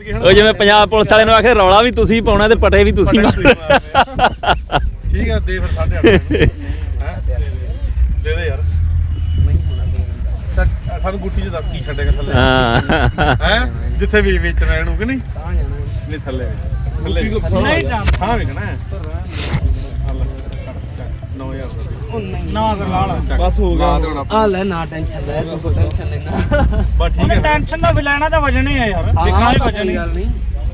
ਉਹ ਜਿਵੇਂ ਪੰਜਾਬ ਪੁਲਿਸ ਵਾਲੇ ਨੂੰ ਆਖੇ ਰੌਲਾ ਵੀ ਤੁਸੀਂ ਪਾਉਣਾ ਤੇ ਪਟੇ ਵੀ ਤੁਸੀਂ ਠੀਕ ਆ ਦੇ ਫਿਰ 8.5 ਦੇ ਦੇ ਯਾਰ ਸਾਨੂੰ ਗੁੱਟੀ ਚ ਦੱਸ ਕੀ ਛੱਡੇਗਾ ਥੱਲੇ ਹੈ ਜਿੱਥੇ ਵੀ ਵੇਚਣਾ ਇਹਨੂੰ ਕਿ ਨਹੀਂ ਨਹੀਂ ਥੱਲੇ ਨਹੀਂ ਹਾਂ ਵੇਖਣਾ 9000 ਨਾ ਬਸ ਹੋ ਗਿਆ ਆ ਲੈ ਨਾ ਟੈਨਸ਼ਨ ਲੈ ਤੂੰ ਟੈਨਸ਼ਨ ਲੈਣਾ ਬਸ ਠੀਕ ਹੈ ਟੈਨਸ਼ਨ ਦਾ ਵੀ ਲੈਣਾ ਤਾਂ ਵਜਣ ਹੀ ਆ ਯਾਰ ਦੇਖਣਾ ਹੀ ਵਜਣ ਗੱਲ ਨਹੀਂ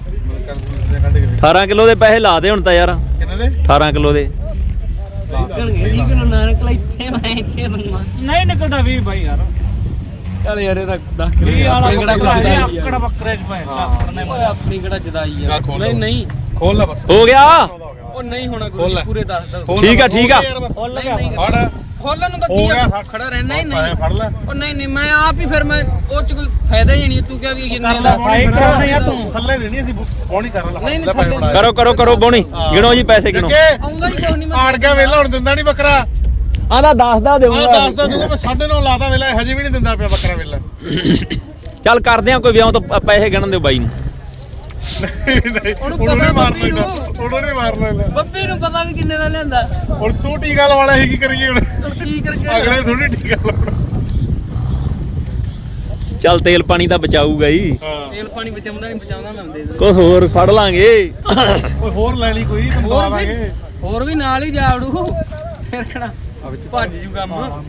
18 ਕਿਲੋ ਦੇ ਪੈਸੇ ਲਾ ਦੇ ਹੁਣ ਤਾਂ ਯਾਰ ਕਿੰਨੇ ਦੇ 18 ਕਿਲੋ ਦੇ ਨਿਕਲਣਗੇ 20 ਕਿਲੋ ਨਾ ਨਿਕਲ ਇੱਥੇ ਮੈਂ ਇੱਥੇ ਬਣਵਾ ਨਹੀਂ ਨਿਕਲਦਾ 20 ਬਾਈ ਯਾਰ ਚੱਲ ਯਾਰ ਇਹਦਾ 10 ਕਿਲੋ ਆਪਣੀ ਕਿਹੜਾ ਆਕੜ ਬੱਕਰੇ ਚ ਪਏ ਆਪਣੀ ਕਿਹੜਾ ਜਦਾਈ ਆ ਨਹੀਂ ਨਹੀਂ ਖੋਲ ਲੈ ਬਸ ਹੋ ਗਿਆ ਉਹ ਨਹੀਂ ਹੋਣਾ ਕੋਈ ਪੂਰੇ 10 ਠੀਕ ਆ ਠੀਕ ਆ ਖੋਲ ਗਿਆ ਫੜ ਖੋਲਣ ਨੂੰ ਤਾਂ ਕੀ ਆ ਖੜਾ ਰਹਿਣਾ ਹੀ ਨਹੀਂ ਫੜ ਲੈ ਉਹ ਨਹੀਂ ਨਹੀਂ ਮੈਂ ਆਪ ਹੀ ਫਿਰ ਮੈਂ ਉਹ ਚ ਕੋਈ ਫਾਇਦਾ ਹੀ ਨਹੀਂ ਤੂੰ ਕਿਹਾ ਵੀ ਕਿੰਨੇ ਦਾ ਤੂੰ ਥੱਲੇ ਦੇਣੀ ਅਸੀਂ ਪੌਣੀ ਕਰ ਲੈ ਕਰੋ ਕਰੋ ਕਰੋ ਬੋਣੀ ਗਿਣੋ ਜੀ ਪੈਸੇ ਗਿਣੋ ਆਉਂਦਾ ਹੀ ਕੋਈ ਨਹੀਂ ਮੈਂ ਆੜ ਗਿਆ ਵੇਲਾ ਹੁਣ ਦਿੰਦਾ ਨਹੀਂ ਬੱਕਰਾ ਆਂਦਾ 10 ਦਾ ਦੇਵਾਂਗਾ 10 ਦਾ ਦੂੰਗਾ ਮੈਂ 9.5 ਲਾਤਾ ਵੇਲਾ ਹਜੇ ਵੀ ਨਹੀਂ ਦਿੰਦਾ ਪਿਆ ਬੱਕਰਾ ਵੇਲਾ ਚੱਲ ਕਰਦੇ ਆ ਕੋਈ ਵਿਆਹ ਤੋਂ ਪੈਸੇ ਗਿਣਨ ਦਿਓ ਬਾਈ ਨੂੰ ਉਹਨੂੰ ਨਹੀਂ ਮਾਰ ਲੈਂਦਾ ਉਹਨੂੰ ਨਹੀਂ ਮਾਰ ਲੈਂਦਾ ਬੱਬੀ ਨੂੰ ਪਤਾ ਵੀ ਕਿੰਨੇ ਦਾ ਲਿਆਂਦਾ ਹੁਣ ਤੂੰ ਟੀਕਾ ਲਵਾਣਾ ਸੀ ਕੀ ਕਰੀਏ ਹੁਣ ਕੀ ਕਰਕੇ ਅਗਲੇ ਥੋੜੀ ਟੀਕਾ ਲਾਉਣਾ ਚੱਲ ਤੇਲ ਪਾਣੀ ਤਾਂ ਬਚਾਊਗਾ ਹੀ ਤੇਲ ਪਾਣੀ ਬਚਾਉਂਦਾ ਨਹੀਂ ਬਚਾਉਂਦਾ ਮੈਂ ਦੇ ਕੋਈ ਹੋਰ ਫੜ ਲਾਂਗੇ ਓਏ ਹੋਰ ਲੈ ਲਈ ਕੋਈ ਤੈਨੂੰ ਦਵਾ ਦਾਂਗੇ ਹੋਰ ਵੀ ਨਾਲ ਹੀ ਜਾਵੜੂ ਫਿਰ ਕਿਹੜਾ ਭੱਜ ਜੂ ਕੰਮ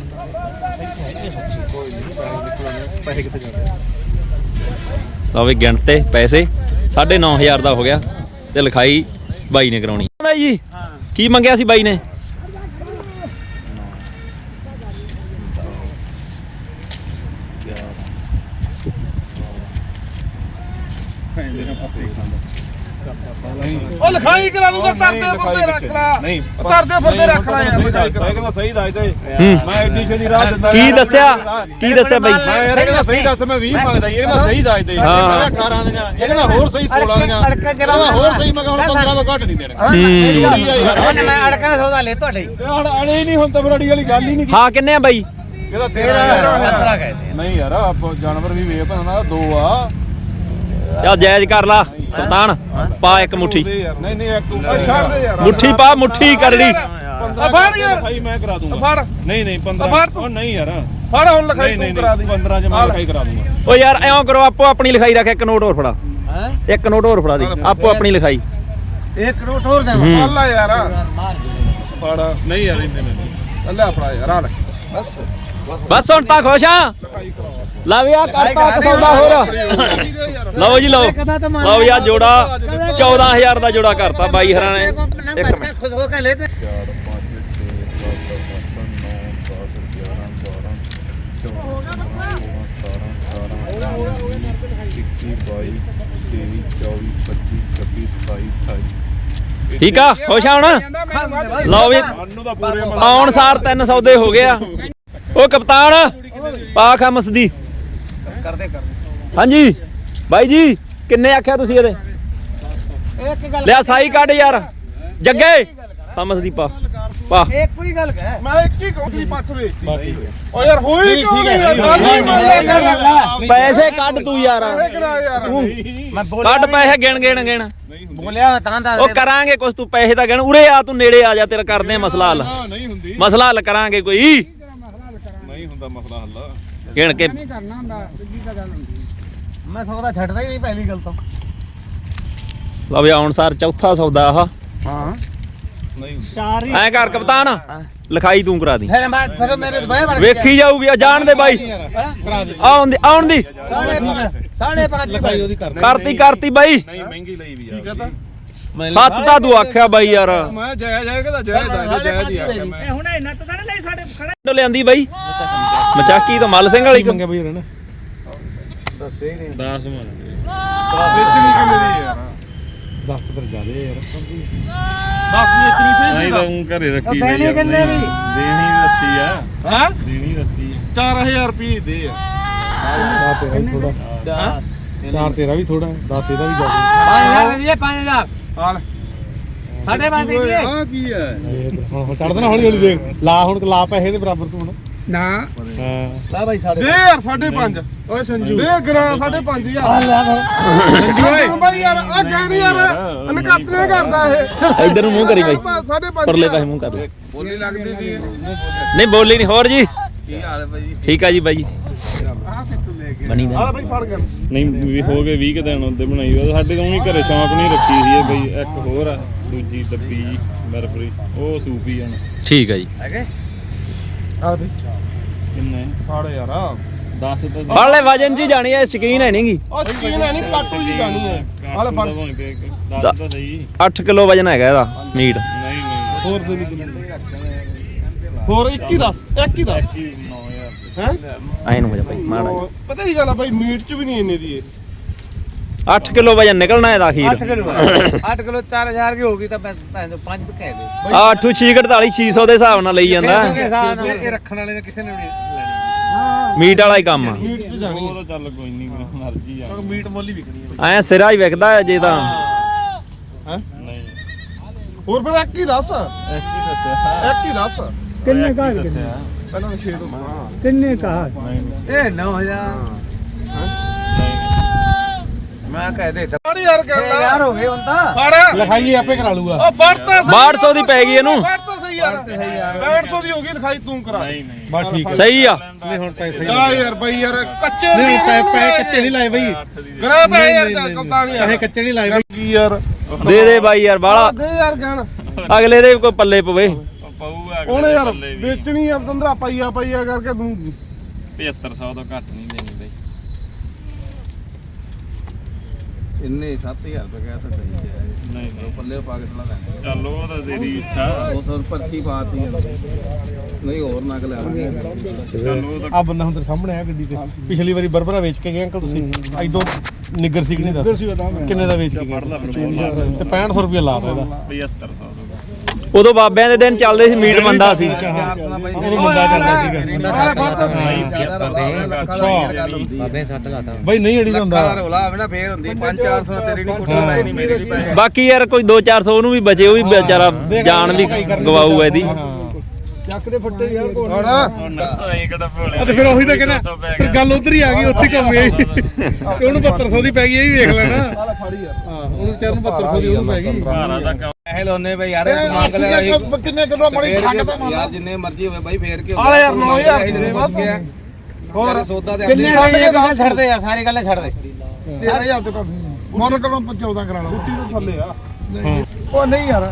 ਪੈਸੇ ਕਿੱਥੇ ਜਾਂਦੇ ਲਓ ਵੀ ਗਿਣ ਤੇ ਪੈਸੇ 9,500 ਦਾ ਹੋ ਗਿਆ ਤੇ ਲਿਖਾਈ ਬਾਈ ਨੇ ਕਰਾਉਣੀ ਜੀ ਕੀ ਮੰਗਿਆ ਸੀ ਬਾਈ ਨੇ ਉਹ ਲਿਖਾਈ ਕਰਾ ਦੂੰਗਾ ਤਰਦੇ ਫਰਦੇ ਰੱਖ ਲੈ ਨਹੀਂ ਤਰਦੇ ਫਰਦੇ ਰੱਖ ਲੈ ਯਾਰ ਕਹਿੰਦਾ ਸਹੀ ਦੱਸ ਦੇ ਮੈਂ ਐਡੀ ਛੇਤੀ ਰਾਹ ਦਿੰਦਾ ਕੀ ਦੱਸਿਆ ਬਾਈ ਮੈਂ ਯਾਰ ਕਹਿੰਦਾ ਸਹੀ ਦੱਸ ਮੈਂ 20 ਮੰਗਦਾ ਇਹ ਕਹਿੰਦਾ ਸਹੀ ਦੱਸ ਦੇ 18 ਦੀਆਂ ਇਹ ਕਹਿੰਦਾ ਹੋਰ ਸਹੀ 16 ਦੀਆਂ ਕਹਿੰਦਾ ਹੋਰ ਸਹੀ ਮੈਂ ਹੁਣ 15 ਤੋਂ ਘੱਟ ਨਹੀਂ ਦੇਣਾ ਮੈਂ ਅੜਕਾਂ ਦਾ ਸੌਦਾ ਲੈ ਤੁਹਾਡੇ ਅੜੇ ਨਹੀਂ ਹੁਣ ਤਾਂ ਬਰੜੀ ਵਾਲੀ ਗੱਲ ਹੀ ਨਹੀਂ ਹਾਂ ਕਿੰਨੇ ਆ ਬਾਈ ਇਹਦਾ 13 ਨਹੀਂ ਯਾਰ ਆਪ ਜਾਨਵਰ ਵੀ ਵੇਖ ਭਾਣਾ ਦੋ ਆ ਚੱਲ ਜਾਇਜ਼ ਕਰ ਲਾ ਕਪਤਾਨ ਪਾ ਇੱਕ ਮੁੱਠੀ ਨਹੀਂ ਨਹੀਂ ਇੱਕ ਛੱਡ ਦੇ ਯਾਰ ਮੁੱਠੀ ਪਾ ਮੁੱਠੀ ਕਰੜੀ ਫੜ ਯਾਰ ਲਿਖਾਈ ਮੈਂ ਕਰਾ ਦੂੰਗਾ ਫੜ ਨਹੀਂ ਨਹੀਂ 15 ਉਹ ਨਹੀਂ ਯਾਰ ਫੜ ਹੁਣ ਲਿਖਾਈ ਤੂੰ ਕਰਾ ਦੀ 15 ਚ ਮੈਂ ਲਿਖਾਈ ਕਰਾ ਦੂੰਗਾ ਓ ਯਾਰ ਐਂ ਕਰੋ ਆਪੋ ਆਪਣੀ ਲਿਖਾਈ ਰੱਖ ਇੱਕ ਨੋਟ ਹੋਰ ਫੜਾ ਇੱਕ ਨੋਟ ਹੋਰ ਫੜਾ ਦੇ ਆਪੋ ਆਪਣੀ ਲਿਖਾਈ ਇੱਕ ਨੋਟ ਹੋਰ ਦੇ ਅੱਲਾ ਯਾਰ ਫੜ ਨਹੀਂ ਯਾਰ ਇੰਨੇ ਨਹੀਂ ਅੱਲਾ ਫੜਾ ਯਾਰ ਆ ਲੈ ਬਸ ਬਸ ਹੁਣ ਤਾਂ ਖੁਸ਼ ਆ ਲਾ ਵੀ ਆ ਕਰਤਾ ਇੱਕ ਸੌਦਾ ਹੋਰ ਲਓ ਜੀ ਲਓ ਲਓ ਵੀ ਆ ਜੋੜਾ 14000 ਦਾ ਜੋੜਾ ਕਰਤਾ ਬਾਈ ਹਰਾਂ ਨੇ ਇੱਕ ਮਿੰਟ ਖੁਸ਼ ਹੋ ਕੇ ਲੈ ਤੇ 22 ਠੀਕ ਆ ਖੁਸ਼ ਆ ਹੁਣ ਲਓ ਵੀ ਆਉਣ ਸਾਰ 3 ਸੌਦੇ ਹੋ ਗਏ ਆ ਉਹ ਕਪਤਾਨ ਪਾ ਖਮਸ ਦੀ ਕਰਦੇ ਹਾਂਜੀ ਬਾਈ ਜੀ ਕਿੰਨੇ ਆਖਿਆ ਤੁਸੀਂ ਇਹਦੇ ਇੱਕ ਗੱਲ ਲਿਆ ਸਾਈ ਕੱਢ ਯਾਰ ਜੱਗੇ ਖਮਸ ਦੀ ਪਾ ਇੱਕ ਹੀ ਗੱਲ ਕਹਿ ਮੈਂ ਇੱਕ ਹੀ ਕੌਂਤਰੀ ਪੱਖ ਵੇਚਤੀ ਓ ਯਾਰ ਹੋਈ ਕਿਉਂ ਨਹੀਂ ਪੈਸੇ ਕੱਢ ਤੂੰ ਯਾਰ ਮੈਂ ਕੱਢ ਪੈਸੇ ਗਿਣ ਬੋਲਿਆ ਤਾਂ ਦਾ ਉਹ ਕਰਾਂਗੇ ਕੁਛ ਤੂੰ ਪੈਸੇ ਤਾਂ ਗਿਣ ਉਰੇ ਆ ਤੂੰ ਨੇੜੇ ਆ ਜਾ ਤੇਰਾ ਕਰਦੇ ਆ ਮਸਲਾ ਹੱਲ ਨਹੀਂ ਹੁੰਦੀ ਮਸਲਾ ਹੱਲ ਕਰਾਂਗੇ ਕੋਈ ਨਹੀਂ ਹੁੰਦਾ ਮਸਲਾ ਹੱਲ ਗਿਣ ਕੇ ਕਰਨਾ ਹੁੰਦਾ ਸਿੱਧੀ ਤਾਂ ਗੱਲ ਹੁੰਦੀ ਮੈਂ ਸੌਦਾ ਛੱਡਦਾ ਹੀ ਨਹੀਂ ਪਹਿਲੀ ਗੱਲ ਤਾਂ ਲਓ ਵੀ ਆਉਣ ਸਾਰ ਚੌਥਾ ਸੌਦਾ ਆਹ ਹਾਂ ਨਹੀਂ ਚਾਰ ਐਂ ਕਰ ਕਪਤਾਨ ਲਿਖਾਈ ਤੂੰ ਕਰਾ ਦੀ ਫਿਰ ਮੇਰੇ ਦਬਾਏ ਬਣ ਵੇਖੀ ਜਾਊਗੀ ਆ ਜਾਣ ਦੇ ਬਾਈ ਕਰਾ ਦੇ ਆਉਣ ਦੀ 5.5 ਲਿਖਾਈ ਉਹਦੀ ਕਰਨੀ ਕਰਤੀ ਬਾਈ ਨਹੀਂ ਮਹਿੰਗੀ ਲਈ ਵੀ ਠੀਕ ਹੈ ਤਾਂ 7 ਤਾਂ ਤੂੰ ਆਖਿਆ ਬਾਈ ਯਾਰ ਮੈਂ ਜਾਇਜ਼ ਕਹਿੰਦਾ ਜਾਇਜ਼ ਹੀ ਆਖਿਆ ਮੈਂ ਹੁਣ ਇਹਨਾਂ ਤੋਂ ਤਾਂ ਨਹੀਂ ਸਾਡੇ ਖੜਾ ਲਿਆਂਦੀ ਬਾਈ ਮਚਾਕੀ ਤੋਂ ਮੱਲ ਸਿੰਘ ਵਾਲੀ ਮੰਗੇ ਬਈ ਰਹਿਣਾ ਦੱਸੇ ਹੀ ਨਹੀਂ 10 ਮੰਨ ਵੇਚਣੀ ਕਿੰਨੇ ਦੀ ਯਾਰ 10 ਤਾਂ ਜ਼ਿਆਦੇ ਯਾਰ 10 ਵੇਚਣੀ ਸਹੀ ਸੀ ਘਰੇ ਰੱਖੀ ਪੈਣੇ ਕਿੰਨੇ ਵੀ ਦੇਣੀ ਰੱਸੀ ਆ ਹਾਂ ਦੇਣੀ ਰੱਸੀ 4000 ਰੁਪਏ ਦੇ ਆ ਤੇਰਾ ਵੀ ਥੋੜਾ 4 ਤੇਰਾ ਵੀ ਥੋੜਾ 10 ਇਹਦਾ ਵੀ ਜ਼ਿਆਦਾ 5000 ਦੇ 5000 ਹਾਲ ਸਾਡੇ 5 ਦੇ ਆ ਕੀ ਹੈ ਹੁਣ ਚੜ ਦੇਣਾ ਹੌਲੀ ਹੌਲੀ ਦੇਖ ਲਾ ਹੁਣ ਲਾ ਪੈਸੇ ਦੇ ਬਰਾਬਰ ਤੂੰ ਹੁਣ ਨਾ ਲਾ ਬਾਈ ਸਾਡੇ ਦੇ ਯਾਰ 5.5 ਓਏ ਸੰਜੂ ਦੇ ਗਰਾ 5.5 ਯਾਰ ਸੰਜੂ ਓਏ ਬਾਈ ਯਾਰ ਆ ਗਾਣੀ ਯਾਰ ਅਨਕੱਤ ਨੇ ਕਰਦਾ ਇਹ ਇੱਧਰ ਨੂੰ ਮੂੰਹ ਕਰੀ ਬਾਈ 5.5 ਪਰਲੇ ਪਾਸੇ ਮੂੰਹ ਕਰ ਲੈ ਬੋਲੀ ਲੱਗਦੀ ਸੀ ਨਹੀਂ ਬੋਲੀ ਨਹੀਂ ਹੋਰ ਜੀ ਕੀ ਹਾਲ ਹੈ ਬਾਈ ਠੀਕ ਆ ਜੀ ਬਾਈ ਆ ਕਿੱਥੋਂ ਲੈ ਕੇ ਬਣੀ ਆ ਬਾਈ ਫੜ ਕਰ ਨਹੀਂ ਵੀ ਹੋ ਗਏ 20 ਦਿਨ ਉਹਦੇ ਬਣਾਈ ਹੋਈ ਸਾਡੇ ਤੋਂ ਵੀ ਘਰੇ ਸ਼ੌਂਕ ਨਹੀਂ ਰੱਖੀ ਸੀ ਇਹ ਬਈ ਇੱਕ ਹੋਰ ਆ ਸੂਜੀ ਡੱਬੀ ਜੀ ਬਰਫਰੀ ਉਹ ਸੂਪੀ ਜਾਣ ਠੀਕ ਆ ਜੀ ਹੈਗੇ ਆ ਬਾਈ ਕਿੰਨੇ ਫੜ ਯਾਰ 10 ਤਾਂ ਬਾਲੇ ਵਜਨ ਜੀ ਜਾਣੀ ਐ ਸ਼ਕੀਨ ਹੈ ਨਹੀਂਗੀ ਉਹ ਚੀਨ ਹੈ ਨਹੀਂ ਕਾਟੂ ਜੀ ਜਾਣੀ ਹੈ ਹਾਲੇ ਫੜ 10 ਤਾਂ ਸਹੀ 8 ਕਿਲੋ ਵਜਨ ਹੈਗਾ ਇਹਦਾ ਮੀਟ ਨਹੀਂ ਨਹੀਂ ਹੋਰ ਦੇ ਨਹੀਂ ਹੋਰ 21 10 21 10 ਹੈ ਐ ਨੂੰ ਹੋ ਜਾ ਬਾਈ ਮਾੜਾ ਪਤਾ ਕੀ ਗੱਲ ਆ ਬਾਈ ਮੀਟ ਚ ਵੀ ਨਹੀਂ ਇੰਨੇ ਦੀ ਇਹ 8 ਕਿਲੋ ਵਜਨ ਨਿਕਲਣਾ ਇਹਦਾ ਅਖੀਰ 8 ਕਿਲੋ 8 ਕਿਲੋ 4000 ਦੀ ਹੋਗੀ ਤਾਂ ਮੈਂ 5 ਕਹਿ ਦੇ 8 648 600 ਦੇ ਹਿਸਾਬ ਨਾਲ ਲਈ ਜਾਂਦਾ ਇਹ ਰੱਖਣ ਵਾਲੇ ਨੇ ਕਿਸੇ ਨੇ ਵੀ ਲੈਣੀ ਮੀਟ ਵਾਲਾ ਹੀ ਕੰਮ ਆ ਮੀਟ ਚ ਜਾਣੀ ਉਹ ਤਾਂ ਚੱਲ ਕੋਈ ਨਹੀਂ ਮਰਜ਼ੀ ਆ ਮੀਟ ਮੁੱਲ ਹੀ ਵਿਕਣੀ ਹੈ ਐ ਸਿਰਾ ਹੀ ਵਿਕਦਾ ਜੇ ਤਾਂ ਹੈ ਨਹੀਂ ਹੋਰ ਫਿਰ ਇੱਕ ਹੀ ਦੱਸ ਇੱਕ ਹੀ ਦੱਸਿਆ ਇੱਕ ਹੀ ਦੱਸ ਕਿੰਨੇ ਕਾ ਪਹਿਲਾਂ 6 ਤੋਂ ਕਿੰਨੇ ਕਾ ਇਹ 9000 ਮੈਂ ਕਹਿ ਦੇ ਫੜ ਯਾਰ ਕਰਨਾ ਯਾਰ ਹੋ ਗਏ ਹੁਣ ਤਾਂ ਫੜ ਲਿਖਾਈ ਆਪੇ ਕਰਾ ਲੂਗਾ ਉਹ ਵੜਤਾ 1200 ਦੀ ਪੈ ਗਈ ਇਹਨੂੰ ਵੜਤਾ ਸਹੀ ਯਾਰ 800 ਦੀ ਹੋ ਗਈ ਲਿਖਾਈ ਤੂੰ ਕਰਾ ਨਹੀਂ ਨਹੀਂ ਬਸ ਠੀਕ ਹੈ ਸਹੀ ਆ ਨਹੀਂ ਹੁਣ ਪੈਸੇ ਆ ਯਾਰ ਬਈ ਯਾਰ ਕੱਚੇ ਨਹੀਂ ਪੈ ਕੱਚੇ ਨਹੀਂ ਲਾਏ ਬਈ ਗਰਾ ਪੈ ਯਾਰ ਕਪਤਾਨ ਯਾਰ ਇਹ ਕੱਚੇ ਨਹੀਂ ਲਾਏ ਬਈ ਕੀ ਯਾਰ ਦੇ ਦੇ ਬਾਈ ਯਾਰ ਬਾਲਾ ਦੇ ਯਾਰ ਕਹਿਣ ਅਗਲੇ ਦੇ ਵੀ ਕੋਈ ਪੱਲੇ ਪਵੇ ਪਊਗਾ ਉਹਨੇ ਯਾਰ ਵੇਚਣੀ ਆ ਤੰਦਰਾ ਪਈਆ ਕਰਕੇ ਤੂੰ 7500 ਤੋਂ ਘੱਟ ਨਹੀਂ ਦੇਣੀ ਬਈ ਇੰਨੇ 7000 ਰੁਪਏ ਕਹਿਆ ਤਾਂ ਸਹੀ ਹੈ ਨਹੀਂ ਨਹੀਂ ਪੱਲੇ ਪਾ ਕੇ ਥੋੜਾ ਲੈਣਾ ਚੱਲ ਉਹ ਤਾਂ ਤੇਰੀ ਇੱਛਾ 200 ਪਰਚੀ ਪਾਤੀ ਨਹੀਂ ਹੋਰ ਨਗ ਲੈਣਗੇ ਚੱਲ ਉਹ ਤਾਂ ਆ ਬੰਦਾ ਹੁਣ ਤੇਰੇ ਸਾਹਮਣੇ ਆ ਗੱਡੀ ਤੇ ਪਿਛਲੀ ਵਾਰੀ ਬਰਬਰਾ ਵੇਚ ਕੇ ਗਏ ਅੰਕਲ ਤੁਸੀਂ ਐਦੋਂ ਨਿੱਗਰ ਸੀ ਕਿ ਨਹੀਂ ਦੱਸ ਕਿੰਨੇ ਦਾ ਵੇਚ ਕੇ ਗਏ ਤੇ 6500 ਰੁਪਏ ਲਾਤਾ ਇਹਦਾ 7500 ਉਦੋਂ ਬਾਬਿਆਂ ਦੇ ਦਿਨ ਚੱਲਦੇ ਸੀ ਮੀਟ ਮੰਦਾ ਸੀ ਉਹਨੂੰ ਮੁੰਡਾ ਕਰਦਾ ਸੀਗਾ ਬਾਬੇ 7 ਲਾਤਾ ਬਈ ਨਹੀਂ ਅੜੀ ਦਾ ਹੁੰਦਾ ਰੋਲਾ ਆਵੇ ਨਾ ਫੇਰ ਹੁੰਦੀ 5-400 ਤੇਰੀ ਨਹੀਂ ਕੁੱਟੀ ਮੈਂ ਨਹੀਂ ਮੇਰੀ ਨਹੀਂ ਪੈ ਬਾਕੀ ਯਾਰ ਕੋਈ 2-400 ਉਹਨੂੰ ਵੀ ਬਚੇ ਉਹ ਵੀ ਵਿਚਾਰਾ ਜਾਨ ਵੀ ਗਵਾਊ ਇਹਦੀ ਚੱਕ ਦੇ ਫੱਟੇ ਯਾਰ ਕੋਲ ਹੁਣ ਐਂ ਕਿਹੜਾ ਭੋਲੇ ਤੇ ਫਿਰ ਉਹੀ ਤਾਂ ਕਹਿੰਦਾ ਫਿਰ ਗੱਲ ਉਧਰ ਹੀ ਆ ਗਈ ਉੱਥੇ ਘੁੰਮ ਗਈ ਤੇ ਉਹਨੂੰ 7200 ਦੀ ਪੈ ਗਈ ਇਹ ਵੀ ਵੇਖ ਲੈਣਾ ਹਾਂ ਉਹਨੂੰ ਵਿਚਾਰ ਨੂੰ 7200 ਦੀ ਉਹਨੂੰ ਪੈ ਗਈ ਭਾਰਾ ਦਾ ਕੰਮ ਪੈਸੇ ਲਾਉਨੇ ਬਈ ਯਾਰ ਤੂੰ ਮੰਗ ਲੈ ਅਸੀਂ ਕਿੰਨੇ ਕਿਲੋ ਮੜੀ ਛੱਡ ਦੇ ਯਾਰ ਜਿੰਨੇ ਮਰਜ਼ੀ ਹੋਵੇ ਬਈ ਫੇਰ ਕੀ ਆ ਯਾਰ 9000 ਦੇ ਬਸ ਹੋਰ ਸੌਦਾ ਤੇ ਕਿੰਨੇ ਛੱਡ ਦੇ ਯਾਰ ਸਾਰੀ ਗੱਲਾਂ ਛੱਡ ਦੇ 13000 ਤੇ ਮੋਨੋ ਕਰੋ 14 ਕਰਾ ਲਾ ਰੋਟੀ ਤੋਂ ਥੱਲੇ ਆ ਉਹ ਨਹੀਂ ਯਾਰ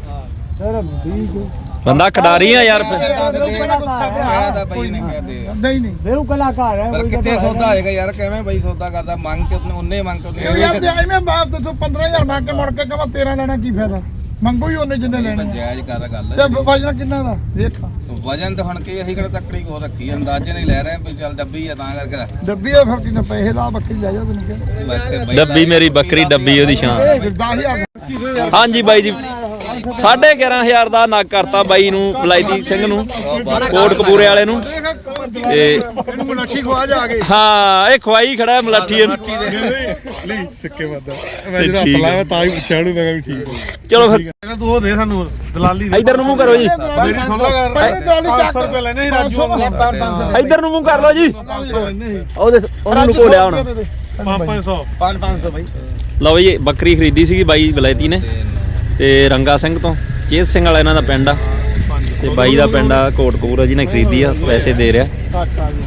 ਬੰਦਾ ਖਿਡਾਰੀ ਆ ਯਾਰ ਕਹਿਦਾ ਬਈ ਨੇ ਕਹਦੇ ਨਹੀਂ ਨਹੀਂ ਮੇਰੂ ਕਲਾਕਾਰ ਹੈ ਪਰ ਕਿੱਥੇ ਸੌਦਾ ਹੋਏਗਾ ਯਾਰ ਕਿਵੇਂ ਬਈ ਸੌਦਾ ਕਰਦਾ ਮੰਗ ਕੇ ਉਹਨੇ ਮੰਗ ਕੇ ਯਾਰ ਤੇ ਐਵੇਂ ਬਾਪ ਤੇ 15000 ਮੰਗ ਕੇ ਮੁੜ ਕੇ ਕਹਾਂ 13 ਲੈਣਾ ਕੀ ਫਾਇਦਾ ਮੰਗੋ ਹੀ ਉਹਨੇ ਜਿੰਨੇ ਲੈਣੇ ਆ। ਜਾਇਜ਼ ਕਰ ਗੱਲ ਤੇ ਵਜਨ ਕਿੰਨਾ ਦਾ ਦੇਖ ਵਜਨ ਤਾਂ ਹੁਣ ਕੀ ਅਸੀਂ ਕਿਹੜਾ ਤੱਕੜੀ ਕੋ ਰੱਖੀ ਅੰਦਾਜ਼ੇ ਨਹੀਂ ਲੈ ਰਹੇ ਵੀ ਚੱਲ ਡੱਬੀ ਆ ਤਾਂ ਕਰਕੇ ਡੱਬੀ ਆ ਫਿਰ ਕਿੰਨੇ ਪੈਸੇ ਲਾ ਬੱਕਰੀ ਲੈ ਜਾ ਤੈਨੂੰ ਕਿਹਾ ਡੱਬੀ ਮੇਰੀ ਬੱਕਰੀ ਡੱਬੀ ਉਹਦੀ ਸ਼ਾਨ 10000 ਹਾਂਜੀ ਬਾਈ ਜੀ 11500 ਦਾ ਨੱਕ ਕਰਤਾ ਬਾਈ ਨੂੰ ਬਲਾਈਦੀ ਸਿੰਘ ਨੂੰ ਕੋਟ ਕਪੂਰੇ ਵਾਲੇ ਨੂੰ ਤੇ ਇਹਨੂੰ ਮਲਾਠੀ ਖਵਾ ਜਾ ਕੇ ਹਾਂ ਇਹ ਖਵਾਈ ਖੜਾ ਮਲਾਠੀ ਇਹਨੂੰ ਨਹੀਂ ਸਿੱਕੇ ਵੱਦਾ ਮੈਂ ਜਿਹੜਾ ਹੱਥ ਲਾਇਆ ਤਾਂ ਹੀ ਪੁੱਛਿਆ ਉਹਨੂੰ ਮੈਂ ਕਿਹਾ ਵੀ ਠੀਕ ਹੈ ਚਲੋ ਫਿਰ ਤੂੰ ਉਹ ਦੇ ਸਾਨੂੰ ਦਲਾਲੀ ਇੱਧਰ ਨੂੰ ਮੂੰਹ ਕਰੋ ਜੀ ਮੇਰੀ ਸੁਣ ਲਾ ਗੱਲ 500 ਰੁਪਏ ਲੈਣੇ ਸੀ ਰਾਜੂ ਨੂੰ ਇੱਧਰ ਨੂੰ ਮੂੰਹ ਕਰ ਲਓ ਜੀ ਉਹਨੂੰ ਲੁਕੋ ਲਿਆ ਹੁਣ 500 500 ਬਾਈ ਲਓ ਜੀ ਬੱਕਰੀ ਖਰੀਦੀ ਸੀਗੀ ਬਾਈ ਬਲੈਤੀ ਨੇ ਤੇ ਰੰਗਾ ਸਿੰਘ ਤੋਂ ਚੇਤ ਸਿੰਘ ਵਾਲਾ ਇਹਨਾਂ ਦਾ ਪਿੰਡ ਆ ਤੇ ਬਾਈ ਦਾ ਪਿੰਡ ਆ ਕੋਟਕਪੂਰਾ ਜਿਹਨੇ ਖਰੀਦੀ ਆ ਪੈਸੇ ਦੇ ਰਿਹਾ ਆ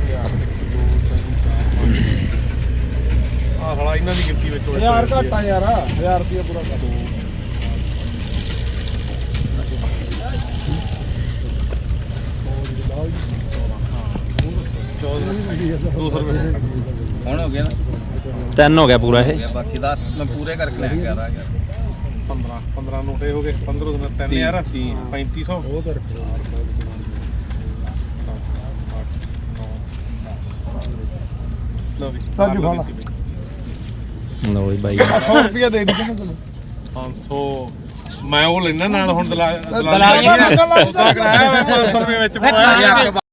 ਹਲਾ ਇਹਨਾਂ ਦੀ ਗਿਫਟੀ ਵਿੱਚ 1000 ਘਟਾ ਯਾਰ 1000 ਰੁਪਏ ਪੂਰਾ ਕਰ ਦੋ ਹੁਣ ਹੋ ਗਿਆ ਨਾ 3 ਹੋ ਗਿਆ ਪੂਰਾ ਇਹ ਬਾਕੀ 10 ਮੈਂ ਪੂਰੇ ਕਰਕੇ ਲੈ ਕੇ ਆ ਰਹਾ ਯਾਰ 15 ਨੋਟੇ ਹੋ ਗਏ 15 ਦਿਨ 3000 3500 ਲਓ ਵੀ ਸਾਡੀ ਫਾਲਾ ਲਓ ਜੀ ਬਾਈ 100 ਰੁਪਏ ਦੇ ਦਿੱਤੇ ਤੈਨੂੰ 500 ਮੈਂ ਉਹ ਲੈਣਾ ਨਾਲ ਹੁਣ ਦਲਾਲੀ ਕਰਾਇਆ ਮੈਂ 500 ਰੁਪਏ ਵਿੱਚ ਪਾਇਆ